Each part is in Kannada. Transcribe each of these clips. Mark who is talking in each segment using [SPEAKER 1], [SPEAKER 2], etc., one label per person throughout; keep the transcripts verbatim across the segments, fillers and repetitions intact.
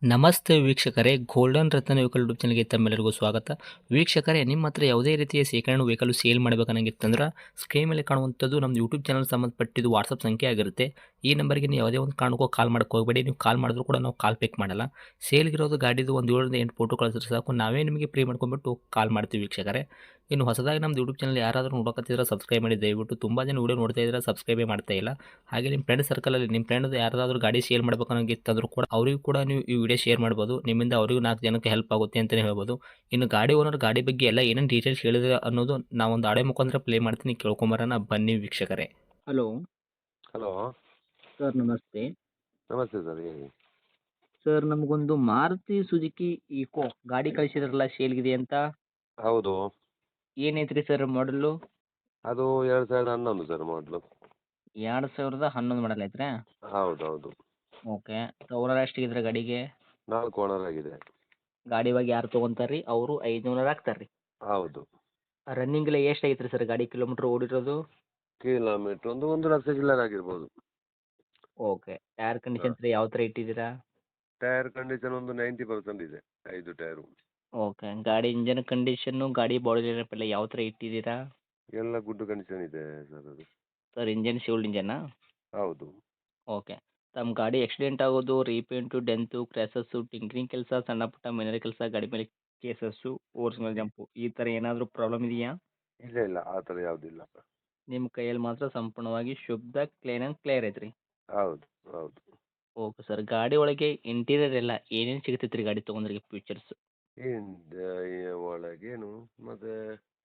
[SPEAKER 1] ನಮಸ್ತೆ ವೀಕ್ಷಕರೇ, ಗೋಲ್ಡನ್ ರತ್ನ ವೆಹಿಕಲ್ ಯೂಟ್ಯೂಬ್ ಚಾನಲ್ಗೆ ತಮ್ಮೆಲ್ಲರಿಗೂ ಸ್ವಾಗತ. ವೀಕ್ಷಕರೇ, ನಿಮ್ಮ ಹತ್ರ ಯಾವುದೇ ರೀತಿಯ ಶೇಖರಣೆ ವೆಹಿಕಲ್ ಸೇಲ್ ಮಾಡಬೇಕನ್ನಂಗಿತ್ತಂದ್ರೆ ಸ್ಕ್ರೀನ್ ಮೇಲೆ ಕಾಣುವಂಥದ್ದು ನಮ್ಮ ಯೂಟ್ಯೂಬ್ ಚಾನಲ್ ಸಂಬಂಧಪಟ್ಟಿದ್ದು ವಾಟ್ಸಪ್ ಸಂಖ್ಯೆ ಆಗಿರುತ್ತೆ. ಈ ನಂಬರ್ಗೆ ನೀವು ಯಾವುದೇ ಒಂದು ಕಾರಣಕ್ಕೂ ಕಾಲ್ ಮಾಡಕ್ಕೆ ಹೋಗಬೇಡಿ. ನೀವು ಕಾಲ್ ಮಾಡಿದ್ರು ಕೂಡ ನಾವು ಕಾಲ್ ಪಿಕ್ ಮಾಡಲ್ಲ. ಸೇಲ್ಗಿರೋದು ಗಾಡಿದು ಒಂದು ಏಳರಿಂದ ಎಂಟು ಫೋಟೋ ಕಳಿಸಿದ್ರೆ ಸಾಕು, ನಾವೇ ನಿಮಗೆ ಪ್ರೀ ಮಾಡ್ಕೊಂಡ್ಬಿಟ್ಟು ಕಾಲ್ ಮಾಡ್ತೀವಿ ವೀಕ್ಷಕರೇ. ಇನ್ನು ಹೊಸದಾಗಿ ನಮ್ಮದು ಯೂಟ್ಯೂಬ್ ಚಾನಲ್ ಯಾರಾದರೂ ನೋಡೋಕತ್ತಿದ್ರೆ ಸಬ್ಸ್ಕ್ರೈಬ್ ಮಾಡಿ ದಯವಿಟ್ಟು. ತುಂಬ ಜನ ವೀಡಿಯೋ ನೋಡ್ತಾ ಇದ್ದಾರೆ, ಸಬ್ಸ್ಕ್ರೈಬೇ ಮಾಡ್ತಾ ಇಲ್ಲ. ಹಾಗೆ ನಿಮ್ಮ ಫ್ರೆಂಡ್ ಸರ್ಕಲಲ್ಲಿ ನಿಮ್ಮ ಫ್ರೆಂಡ್ ಯಾರಾದರೂ ಗಾಡಿ ಸೇಲ್ ಮಾಡ್ಬೇಕನ್ನೋಂಗಿತ್ತಂದ್ರೂ ಕೂಡ ಅವರಿಗೂ ಕೂಡ ನೀವು ಈ ವಿಡಿಯೋ ಶೇರ್ ಮಾಡ್ಬೋದು. ನಿಮ್ಮಿಂದ ಅವರಿಗೂ ನಾಲ್ಕು ಜನಕ್ಕೆ ಹೆಲ್ಪ್ ಆಗುತ್ತೆ ಅಂತಲೇ ಹೇಳ್ಬೋದು. ಇನ್ನು ಗಾಡಿ ಓನರ್ ಗಾಡಿ ಬಗ್ಗೆ ಎಲ್ಲ ಏನೇನು ಡೀಟೇಲ್ಸ್ ಹೇಳಿದ್ರೆ ಅನ್ನೋದು ನಾವೊಂದು ಆಡೆ ಮುಖಾಂತರ ಪ್ಲೇ ಮಾಡ್ತೀನಿ, ಕೇಳ್ಕೊಂಬರೋಣ ಬನ್ನಿ ವೀಕ್ಷಕರೇ. ಹಲೋ
[SPEAKER 2] ಹಲೋ
[SPEAKER 1] ಸರ್, ನಮಸ್ತೆ.
[SPEAKER 2] ನಮಸ್ತೆ ಸರ್, ಹೇಳಿ.
[SPEAKER 1] ಸರ್, ನಮಗೊಂದು ಮಾರುತಿ ಸುಜುಕಿ ಈಕೋ ಗಾಡಿ ಕಳಿಸಿದ್ರಲ್ಲ ಸೇಲ್ಗಿದೆ ಅಂತ,
[SPEAKER 2] ಹೌದು,
[SPEAKER 1] ಏನೈತ್ರಿ ಸರ್ ಮಾಡಲು?
[SPEAKER 2] ಅದು ಎರಡು ಸಾವಿರದ ಹನ್ನೊಂದು ಸರ್ ಮಾಡಲು.
[SPEAKER 1] ಎರಡು ಸಾವಿರದ ಹನ್ನೊಂದು ಮಾಡಲ್ ಐತ್ರಾ?
[SPEAKER 2] ಹೌದು ಹೌದು.
[SPEAKER 1] ಓಕೆ. ಓನರ್ ಎಷ್ಟಿದ್ರೆ ಗಾಡಿಗೆ?
[SPEAKER 2] ನಾಲ್ಕು ಓನರ್ ಆಗಿದೆ.
[SPEAKER 1] ಗಾಡಿ ಬಗ್ಗೆ ಯಾರು ತೊಗೊಂತಾರ್ರಿ ಅವರು ಐದುನೂರು ಹಾಕ್ತಾರ್ರಿ.
[SPEAKER 2] ಹೌದು.
[SPEAKER 1] ರನ್ನಿಂಗ್ ಎಲ್ಲ ಎಷ್ಟು ಐತ್ರಿ ಸರ್ ಗಾಡಿ ಕಿಲೋಮೀಟ್ರ್ ಓಡಿರೋದು?
[SPEAKER 2] ಕಿಲೋಮೀಟ್ರ್ ಒಂದು ಒಂದು ಲಕ್ಷ ಚಿಲ್ಲರ್ ಆಗಿರ್ಬೋದು.
[SPEAKER 1] ಓಕೆ. ಟೈರ್ ಕಂಡೀಷನ್ ರೀ ಯಾವ ಥರ ಇಟ್ಟಿದ್ದೀರಾ?
[SPEAKER 2] ಟೈರ್ ಕಂಡೀಷನ್ ಒಂದು ನೈಂಟಿ ಪರ್ಸೆಂಟ್ ಇದೆ, ಐದು ಟೈರು.
[SPEAKER 1] ಓಕೆ. ಗಾಡಿ ಇಂಜನ್ ಕಂಡೀಷನ್ನು ಗಾಡಿ ಬಾಡಿ ಲೈನಪ್ ಎಲ್ಲ ಯಾವ ಥರ ಇಟ್ಟಿದ್ದೀರಾ?
[SPEAKER 2] ಎಲ್ಲ ಗುಡ್ ಕಂಡೀಷನ್ ಇದೆ ಸರ್ ಅದು.
[SPEAKER 1] ಸರ್, ಇಂಜನ್ ಶಿವಲ್ಡ್ ಇಂಜನಾ?
[SPEAKER 2] ಹೌದು.
[SPEAKER 1] ಓಕೆ. ತಮ್ಮ ಗಾಡಿ ಆಕ್ಸಿಡೆಂಟ್ ಆಗೋದು, ರೀಪೇಂಟು, ಡೆಂತು, ಕ್ರ್ಯಾಸಸ್ಸು, ಟಿಂಕ್ರಿಂಗ್ ಕೆಲಸ, ಸಣ್ಣ ಪುಟ್ಟ ಮೈನರ್ ಕೆಲಸ, ಗಾಡಿ ಮೇಲೆ ಕೇಸಸ್ಸು, ಓರ್ಜಿನಲ್ ಜಂಪು ಈ ಥರ ಏನಾದರೂ ಪ್ರಾಬ್ಲಮ್ ಇದೆಯಾ?
[SPEAKER 2] ಇಲ್ಲ ಇಲ್ಲ, ಆ ಥರ ಯಾವುದಿಲ್ಲ.
[SPEAKER 1] ನಿಮ್ಮ ಕೈಯಲ್ಲಿ ಮಾತ್ರ ಸಂಪೂರ್ಣವಾಗಿ ಶುದ್ಧ ಕ್ಲೀನ್ ಆ್ಯಂಡ್ ಕ್ಲಿಯರ್ ಐತ್ರಿ.
[SPEAKER 2] ಹೌದು ಹೌದು.
[SPEAKER 1] Okay sir. ಗಾಡಿ ಒಳಗೆ ಇಂಟೀರಿಯರ್ ಎಲ್ಲ ಏನೇನು ಸಿಗ್ತೈತೆ ರೀ ಗಾಡಿ ತೊಗೊಂಡ್ರಿಗೆ ಫೀಚರ್ಸ್?
[SPEAKER 2] ಏನು ಒಳಗೇನು ಮತ್ತೆ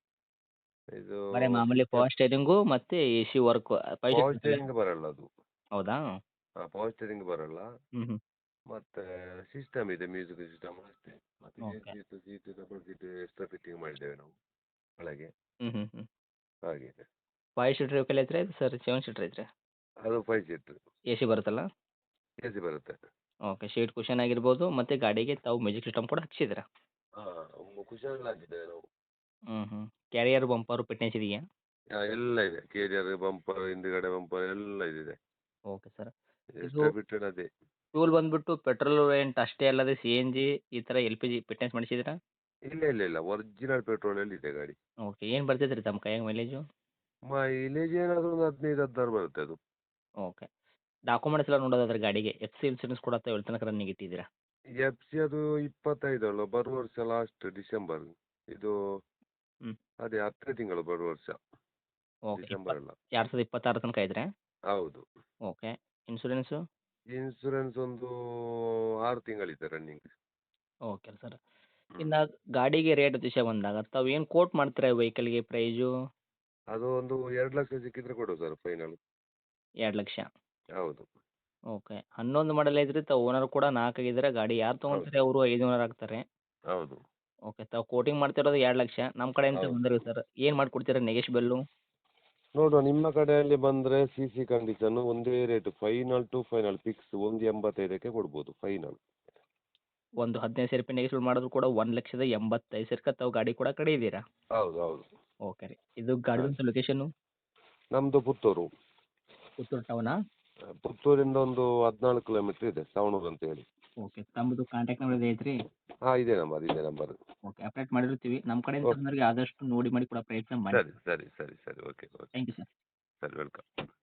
[SPEAKER 2] ಇದು
[SPEAKER 1] ಬರೀ ಮಾಮೂಲಿ ಪವರ್ ಸ್ಟೇರಿಂಗು ಮತ್ತು A C work five
[SPEAKER 2] power
[SPEAKER 1] seat
[SPEAKER 2] steering ಬರಲ್ಲ ಅದು.
[SPEAKER 1] ಹೌದಾ?
[SPEAKER 2] ಹಾಂ, ಪವರ್ ಸ್ಟೇರಿಂಗ್ ಬರಲ್ಲ.
[SPEAKER 1] ಹ್ಞೂ ಹ್ಞೂ.
[SPEAKER 2] ಮತ್ತೆ ಸಿಸ್ಟಮ್ ಇದೆ, ಮ್ಯೂಸಿಕ್ ಸಿಸ್ಟಮ್ ಅಷ್ಟೇ. ಮತ್ತೆ
[SPEAKER 1] okay.
[SPEAKER 2] Seat seat double seat extra fitting ಮಾಡಿದ್ದೇವೆ ನಾವು ಒಳಗೆ.
[SPEAKER 1] ಹ್ಞೂ ಹ್ಞೂ ಹ್ಞೂ.
[SPEAKER 2] ಹಾಗೆ
[SPEAKER 1] ಫೈವ್ ಸೀಟ್ರ್ ವೆಹಿಕಲ್ ಐತ್ರಿ ಸರ್? ಸೆವೆನ್ ಸೀಟ್ರ್ ಐತ್ರಿ?
[SPEAKER 2] ಅದು ಫೈವ್ ಸೀಟ್
[SPEAKER 1] ಎ ಸಿ ಬರುತ್ತಲ್ಲ?
[SPEAKER 2] ಎ ಸಿ ಬರುತ್ತೆ.
[SPEAKER 1] ಓಕೆ. ಸೀಟ್ ಕುಷನ್ ಆಗಿರ್ಬೋದು ಮತ್ತು ಗಾಡಿಗೆ ತಾವು ಮ್ಯೂಸಿಕ್ ಸಿಸ್ಟಮ್ ಕೂಡ ಹಚ್ಚಿದ್ದೀರಾ?
[SPEAKER 2] ಹಾಂ, ಕುಶನ್ ಹಾಕಿದ್ದೇವೆ ನಾವು.
[SPEAKER 1] ಹ್ಞೂ ಹ್ಞೂ. ಕ್ಯಾರಿಯರ್ ಬಂಪರು ಫಿಟ್ನೆಸ್ ಇದೆಯಾ?
[SPEAKER 2] ಆ, ಎಲ್ಲ ಇದೆ, ಕೇರಿಯರ್ ಬಂಪರ್, ಹಿಂದ್ಗಡೆ ಬಂಪರ್ ಎಲ್ಲ ಇದಿದೆ.
[SPEAKER 1] Okay sir. ಇದು
[SPEAKER 2] ಎಕ್ಸ್ಟ್ರಾ ಫಿಟ್ಟೆಡ್ ಅದೇ.
[SPEAKER 1] ಫ್ಯೂಲ್ ಬಂದುಬಿಟ್ಟು ಪೆಟ್ರೋಲ್ ವೇರಿಯಂಟ್ ಅಷ್ಟೇ ಅಲ್ಲದೆ ಸಿ ಎನ್ ಜಿ ಈ ಥರ ಎಲ್ ಪಿ ಜಿ ಫಿಟ್ನೆಸ್ ಮಾಡಿಸಿದ್ದೀರಾ?
[SPEAKER 2] ಇಲ್ಲ ಇಲ್ಲ ಇಲ್ಲ, ಒರಿಜಿನಲ್ ಪೆಟ್ರೋಲಲ್ಲಿ ಇದೆ ಗಾಡಿ.
[SPEAKER 1] ಓಕೆ. ಏನು ಬರ್ತೈತೆ ರೀ ತಮ್ಮ ಕೈಯಾಗ ಮೈಲೇಜು?
[SPEAKER 2] ಮೈಲೇಜ್ ಏನಾದರೂ ಒಂದು ಹದಿನೈದು ಹದಿನಾರು ಬರುತ್ತೆ ಅದು.
[SPEAKER 1] ಓಕೆ. ಡಾಕ್ಯುಮೆಂಟ್ಸ್ ಎಲ್ಲ ನೋಡೋದಾದ್ರೆ ಗಾಡಿಗೆ ಎಫ್ ಸಿ ಇನ್ಸೂರೆನ್ಸ್ ಕೂಡ ಎಲ್ಲಿ ತನಕ ರನ್ನಿಂಗ್ ಇಟ್ಟಿದ್ದೀರಾ?
[SPEAKER 2] ಎಫ್ ಸಿ ಅದು ಇಪ್ಪತ್ತೈದು ಅಲ್ಲ, ಬರುವ ವರ್ಷ ಲಾಸ್ಟ್ ಡಿಸೆಂಬರ್. ಇದು
[SPEAKER 1] ಹ್ಞೂ.
[SPEAKER 2] ಅದೇ ಹತ್ತನೇ ತಿಂಗಳು ಬರುವ ವರ್ಷ,
[SPEAKER 1] ಓಕೆ.
[SPEAKER 2] ಡಿಸೆಂಬರ್
[SPEAKER 1] ಇಪ್ಪತ್ತು
[SPEAKER 2] ಅಲ್ಲ.
[SPEAKER 1] ಎರಡು ಸಾವಿರದ ಇಪ್ಪತ್ತಾರು ತನಕ ಇದ್ರೆ?
[SPEAKER 2] ಹೌದು.
[SPEAKER 1] ಓಕೆ. ಇನ್ಸೂರೆನ್ಸು?
[SPEAKER 2] ಇನ್ಸೂರೆನ್ಸ್ ಒಂದು ಆರು ತಿಂಗಳಿದೆ ರನ್ನಿಂಗ್.
[SPEAKER 1] Okay sir. ಇನ್ನು ಗಾಡಿಗೆ ರೇಟ್ ವಿಷಯ ಬಂದಾಗ ತಾವು ಏನು ಕೋಟ್ ಮಾಡ್ತೀರಾ ವೆಹಿಕಲ್ಗೆ ಪ್ರೈಸು?
[SPEAKER 2] ಅದು ಒಂದು ಎರಡು ಲಕ್ಷ ಸಿಕ್ಕಿದ್ರೆ ಕೊಡು ಸರ್ ಫೈನಲ್.
[SPEAKER 1] ಎರಡು ಲಕ್ಷ.
[SPEAKER 2] ಹೌದು
[SPEAKER 1] ಓಕೆ. ಹನ್ನೊಂದು ಮಾಡಲ್ ಐತ್ರಿ, ತಾವು ಓನರ್ ಕೂಡ ನಾಲ್ಕು ಆಗಿದ್ದಾರೆ. ಗಾಡಿ ಯಾರು
[SPEAKER 2] ಹೌದು
[SPEAKER 1] ತೊಗೊಂತಾರೆ ಅವರು ಐದುನೂರು ಆಗ್ತಾರೆ.
[SPEAKER 2] ಹೌದು
[SPEAKER 1] ಓಕೆ. ತಾವು ಕೋಟಿಂಗ್ ಮಾಡ್ತಿರೋದು ಎರಡು ಲಕ್ಷ. ನಮ್ಮ ಕಡೆಯಿಂದ
[SPEAKER 2] ಹೌದು.
[SPEAKER 1] ಬಂದಿರಿ ಸರ್, ಏನು ಮಾಡಿಕೊಡ್ತೀರಾ ನೆಗೆಶ್ಬೆಲ್ಲು?
[SPEAKER 2] ನೋಡುವ, ನಿಮ್ಮ ಕಡೆಯಲ್ಲಿ ಬಂದರೆ ಸಿ ಸಿ ಕಂಡೀಷನ್ನು ಒಂದೇ rate, final to final fix ಒಂದು ಎಂಬತ್ತೈದಕ್ಕೆ ಕೊಡ್ಬೋದು ಫೈನಲ್.
[SPEAKER 1] ಒಂದು ಹದಿನೈದು ಸಾವಿರ ರೂಪಾಯಿ ನೆಗೆಶ್ಬೆಲ್ ಮಾಡಿದ್ರು ಕೂಡ ಒಂದು ಲಕ್ಷದ ಎಂಬತ್ತೈದು ಸಾವಿರಕ್ಕೆ ತಾವು ಗಾಡಿ ಕೂಡ ಕಡೆ ಇದ್ದೀರಾ?
[SPEAKER 2] ಹೌದು ಹೌದು.
[SPEAKER 1] ಓಕೆ ರೀ. ಇದು ಗಾಡಿದಂಥ ಲೊಕೇಶನ್ನು?
[SPEAKER 2] ನಮ್ಮದು ಪುತ್ತೂರು.
[SPEAKER 1] ಪುತ್ತೂರು ಟೌನಾ?
[SPEAKER 2] ಪುತ್ತೂರಿಂದ ಒಂದು ಹದಿನಾಲ್ಕು ಕಿಲೋಮೀಟ್ರ್ ಇದೆ, ಸವಣೂರು ಅಂತ ಹೇಳಿ.
[SPEAKER 1] ಓಕೆ. ತಮ್ಮದು ಕಾಂಟ್ಯಾಕ್ಟ್ ನಂಬರ್ ಇದೆ ಐತ್ರಿ?
[SPEAKER 2] ಹಾಂ, ಇದೇ ನಂಬರ್, ಇದೇ ನಂಬರ್.
[SPEAKER 1] ಓಕೆ. ಅಪ್ಡೇಟ್ ಮಾಡಿರ್ತೀವಿ. ನಮ್ಮ ಕಡೆಯಿಂದ
[SPEAKER 2] ಓಕೆ,
[SPEAKER 1] ಬಂದವರಿಗೆ ಆದಷ್ಟು ನೋಡಿ ಮಾಡಿ ಕೊಡೋ ಪ್ರಯತ್ನ ಮಾಡಿ.
[SPEAKER 2] ಸರಿ ಸರಿ ಸರಿ ಸರಿ, okay okay.
[SPEAKER 1] Thank you sir.
[SPEAKER 2] ಸರಿ, ವೆಲ್ಕಮ್.